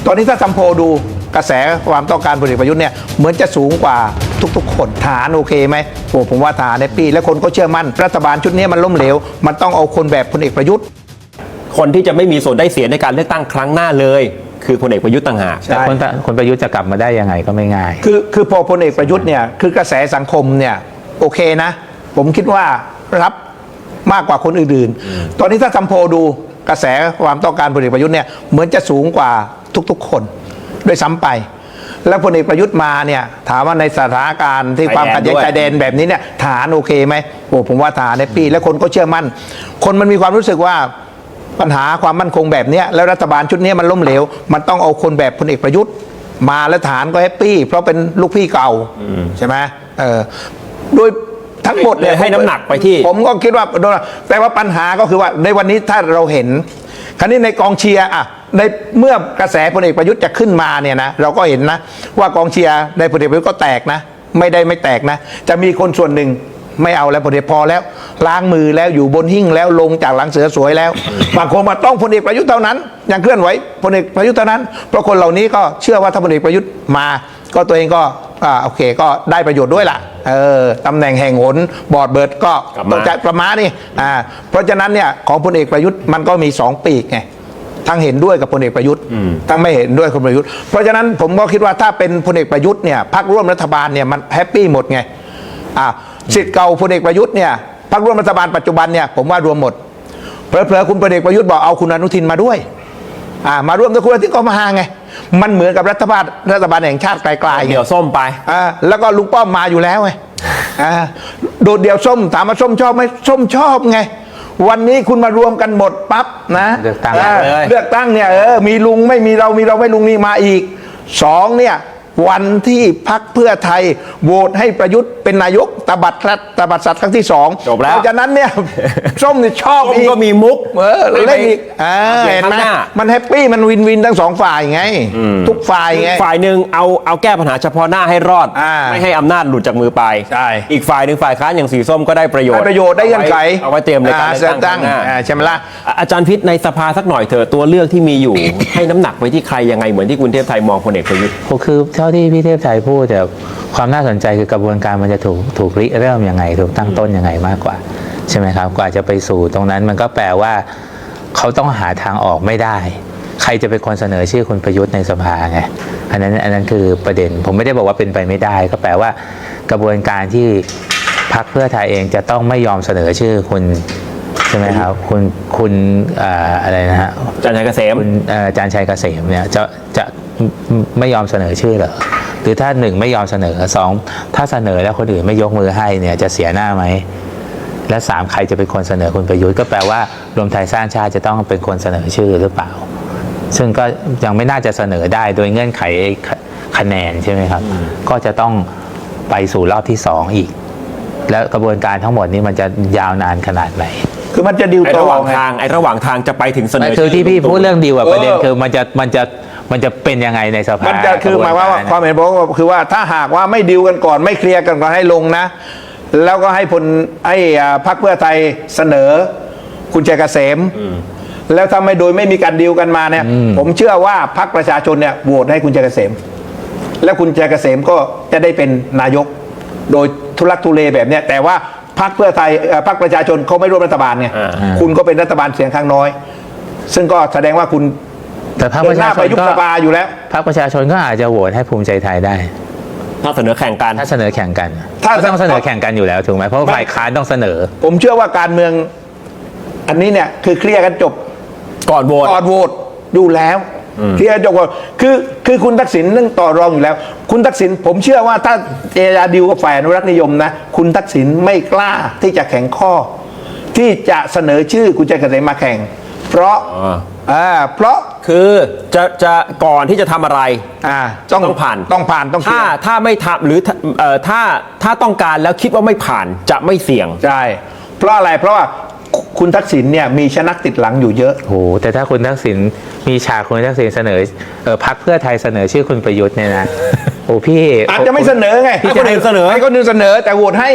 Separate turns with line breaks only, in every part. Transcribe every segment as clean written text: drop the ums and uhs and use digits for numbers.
ตอนนี้ถ้าทำโพลดูกระแสความต้องการพลเอกประยุทธ์เนี่ยเหมือนจะสูงกว่าทุกๆคนฐานโอเคไหมโอ้ผมว่าฐานในปีและคนก็เชื่อมั่นรัฐบาลชุดนี้มันล้มเหลวมันต้องเอาคนแบบพลเอกประยุทธ์
คนที่จะไม่มีส่วนได้เสียในการเลือกตั้งครั้งหน้าเลยคือพลเอกประยุทธ์ต่างหาก
แต่คนประยุทธ์จะกลับมาได้ยังไงก็ไม่ง่าย
คือพอพลเอกประยุทธ์เนี่ยคือกระแสสังคมเนี่ยโอเคนะผมคิดว่ารับมากกว่าคนอื่นๆตอนนี้ถ้าทำโพลดูกระแสความต้องการพลเอกประยุทธ์เนี่ยเหมือนจะสูงกว่าทุกๆคนด้วยซ้ำไปแล้วพลเอกประยุทธ์มาเนี่ยถามว่าในสถานการณ์ที่ความขัดแย้งชายแดนแบบนี้เนี่ยฐานโอเคไหมโอ้ผมว่าฐานในปีและคนก็เชื่อมั่นคนมันมีความรู้สึกว่าปัญหาความมั่นคงแบบนี้แล้วรัฐบาลชุดนี้มันล้มเหลวมันต้องเอาคนแบบพลเอกประยุทธ์มาแล้วฐานก็แฮปปี้เพราะเป็นลูกพี่เก่าใช่ไหมโดยทั้งหมดเนี่ย
ให้น้ำหนักไปที่
ผมก็คิดว่าแต่ว่าปัญหาก็คือว่าในวันนี้ถ้าเราเห็นคราวนี้ในกองเชียร์อะในเมื่อกระแสพลเอกประยุทธ์จะขึ้นมาเนี่ยนะเราก็เห็นนะว่ากองเชียร์ในพลเอกประยุทธ์ก็แตกนะไม่แตกนะจะมีคนส่วนหนึ่งไม่เอาแล้วพลเอกพอแล้วล้างมือแล้วอยู่บนหิ้งแล้วลงจากหลังเสือสวยแล้วบางคนมาต้องพลเอกประยุทธ์เท่านั้นยังเคลื่อนไหวพลเอกประยุทธ์เท่านั้นเพราะคนเหล่านี้ก็เชื่อว่าถ้าพลเอกประยุทธ์มาก็ตัวเองก็โอเคก็ได้ประโยชน์ด้วยล่ะตำแหน่งแห่งหนบอร์ดเบิร์ดก็ต้องจัดประมาณนี้เพราะฉะนั้นเนี่ยของพลเอกประยุทธ์มันก็มี2ปีกไงทั้งเห็นด้วยกับพลเอกประยุทธ์ทั้งไม่เห็นด้วยกับพลเอกประยุทธ์เพราะฉะนั้นผมก็คิดว่าถ้าเป็นพลเอกประยุทธ์เนี่ยพรรคร่วมรัฐบาลเนี่ยมันแฮปปี้หมดไงสิทธิ์เก่าพลเอกประยุทธ์เนี่ยพรรคร่วมรัฐบาลปัจจุบันเนี่ยผมว่ารวมหมดเผลอๆคุณพลเอกประยุทธ์บอกเอาคุณอนุทินมาด้วยมาร่วมด้วยคุณอนุทินก็มาไงมันเหมือนกับรัฐบาลแห่งชาติไกลๆ
เดี่ยวส้มไป
แล้วก็ลุงป้อมมาอยู่แล้วไงโดดเดี่ยวส้มถามว่าส้มชอบไหมส้มชอบไงวันนี้คุณมารวมกันหมดปั๊บนะ
เลือกตั้
งเนี่ยมีลุงไม่มีเรามีเราไม่ลุงนี่มาอีก2เนี่ยวันที่พรรคเพื่อไทยโหวตให้ประยุทธ์เป็นนายกตบัดสัตว์ครั้งที่2
จบแล้ว
เพราะฉะนั้นเนี่ยส้มนี่ชอบอีก
ก็มีมุก
เล่นอีกเห็นไหมมันแฮปปี้มันวินทั้ง2ฝ่ายไงทุกฝ่ายไง
ฝ่ายหนึ่งเอาแก้ปัญหาเฉพาะหน้าให้รอดไม่ให้อำนาจหลุดจากมือไปอีกฝ่ายหนึ่งฝ่ายค้านอย่างสีส้มก็ได้ประโยชน์
ได้เงื่อนไข
เอาไว้เตรียมในการเลือกตั้ง
ใช่ไหมล่ะ
อาจารย์พิษในสภาสักหน่อยเถอะตัวเลือกที่มีอยู่ ให้น้ำหนักไปที่ใครยังไงเหมือนที่คุณเทพไทยมองพลเอกประยุทธ์
คือเท่าที่พี่เทพไทยพูดแต่ความน่าสนใจคือกระบวนการมันจะถูกริเริ่มยังไงถูกตั้งต้นยังไงมากกว่าใช่ไหมครับกว่าจะไปสู่ตรงนั้นมันก็แปลว่าเขาต้องหาทางออกไม่ได้ใครจะเป็นคนเสนอชื่อคุณประยุทธ์ในสภาไงอันนั้นคือประเด็นผมไม่ได้บอกว่าเป็นไปไม่ได้ก็แปลว่ากระบวนการที่พรรคเพื่อไทยเองจะต้องไม่ยอมเสนอชื่อคุณใช่ไหมครับคุณอะไรนะฮะ
อาจารย์ชัยเกษม
อาจารย์ชัยเกษมเนี่ยจะไม่ยอมเสนอชื่อเหรอหรือถ้า1ไม่ยอมเสนอ2ถ้าเสนอแล้วคนอื่นไม่ยกมือให้เนี่ยจะเสียหน้าไหมและ3ใครจะเป็นคนเสนอคุณประยุทธ์ก็แปลว่ารวมไทยสร้างชาติจะต้องเป็นคนเสนอชื่อหรือเปล่าซึ่งก็ยังไม่น่าจะเสนอได้โดยเงื่อนไขคะแนนใช่ไหมครับก็จะต้องไปสู่รอบที่2อีกแล้วกระบวนการทั้งหมดนี้มันจะยาวนานขนาดไหน
คือมันจะดิวต่อ
ระหว่างทางจะไปถึงเสนอ
คือที่พี่พูดเรื่องดิวประเด็นคือมันจะเป็นยังไงในสภา
มันจะคือหมายว่าความเห็นผมก็คือว่าถ้าหากว่าไม่ดิวกันก่อนไม่เคลียร์กันก่อนให้ลงนะแล้วก็ให้พรรคเพื่อไทยเสนอคุณชัยเกษมแล้วถ้าโดยไม่มีการดิวกันมาเนี่ยผมเชื่อว่าพรรคประชาชนเนี่ยโหวตให้คุณชัยเกษมแล้วคุณชัยเกษมก็จะได้เป็นนายกโดยทุลักทุเลแบบเนี้ยแต่ว่าพรรคเพื่อไทยพรรคประชาชนเขาไม่ร่วมรัฐบาลไงคุณก็เป็นรัฐบาลเสียงข้างน้อยซึ่งก็แสดงว่าคุณ
แต่พรรคประชาชน
ก็อยู่แล้ว
พรรคประชาชนก็อาจจะโหวตให้ภูมิใจไทยได้
ถ้าเสนอแข่งกัน
ถ้าเสนอแข่งกันถ้าต้องเสนอแข่งกันอยู่แล้วถูกไหมเพราะฝ่ายค้านต้องเสนอ
ผมเชื่อว่าการเมืองอันนี้เนี่ยคือเคลียร์กันจบ
ก่อนโหวต
อยู่แล้วเคลียร์จบก่อนคือคุณทักษิณนั่งต่อรองอยู่แล้วคุณทักษิณผมเชื่อว่าถ้าเจรจาดิวกับฝ่ายอนุรักษ์นิยมนะคุณทักษิณไม่กล้าที่จะแข่งข้อที่จะเสนอชื่อคุณชัยเกษมมาแข่งเพราะ
คือจะก่อนที่จะทำอะไร
ต้องผ่าน
ถ้าไม่ทำหรือถ้าต้องการแล้วคิดว่าไม่ผ่านจะไม่เสี่ยง
ใช่เพราะอะไรเพราะว่าคุณทักษิณเนี่ยมีชนักติดหลังอยู่เยอะ
โอ้แต่ถ้าคุณทักษิณมีฉากคุณทักษิณเสนอพรรคเพื่อไทยเสนอชื่อคุณประยุทธ์เนี่ยนะโอ้พี่
อาจจะไม่เสนอไง
ให้คนอื่นเสนอ
แต่โหวตให้ไง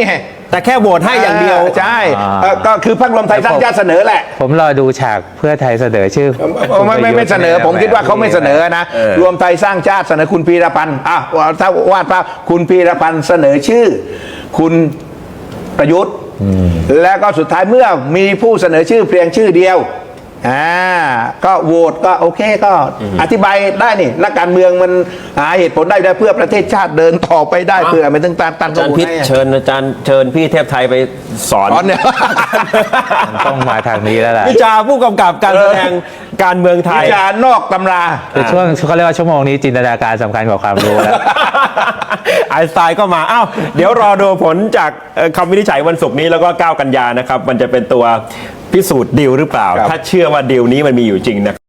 แต่แค่โหวตให้อย่างเดียว
ใช่ก็คือพรรครวมไทยสร้างชาติเสนอแหละ
ผมรอดูฉากเพื่อไทยเสนอชื่อ
ไม่เสนอผมคิดว่าเขาไม่เสนอนะรวมไทยสร้างชาติเสนอคุณพีรพันธ์ถ้าวาดภาพคุณพีรพันธ์เสนอชื่อ คุณประยุทธ์แล้วก็สุดท้ายเมื่อมีผู้เสนอชื่อเพียงชื่อเดียวก็โหวตก็โอเคก็อธิบายได้นี่นักการเมืองมันหาเหตุผลได้เพื่อประเทศชาติเดินต่อไปได้เพื่อไม่ต้องตั้ง
อาจารย์พิษเชิญพี่เทพไทยไปสอน
เนี่ย
มันต้องมาทางนี้แล้วล่ะ
วิจารณ์ผู้กำกับการแสดงการเมืองไทย
วิจารณ์นอกตำรา
คือช่วงเขาเรียกว่าชั่วโมงนี้จินตนาการสำคัญกว่าความรู้แล้ว
ไอน์สไตน์ก็มาเดี๋ยวรอดูผลจากคำวินิจฉัยวันศุกร์นี้แล้วก็9 กันยานะครับมันจะเป็นตัวพิสูจน์ดีลหรือเปล่า ถ้าเชื่อว่าดีลนี้มันมีอยู่จริงนะ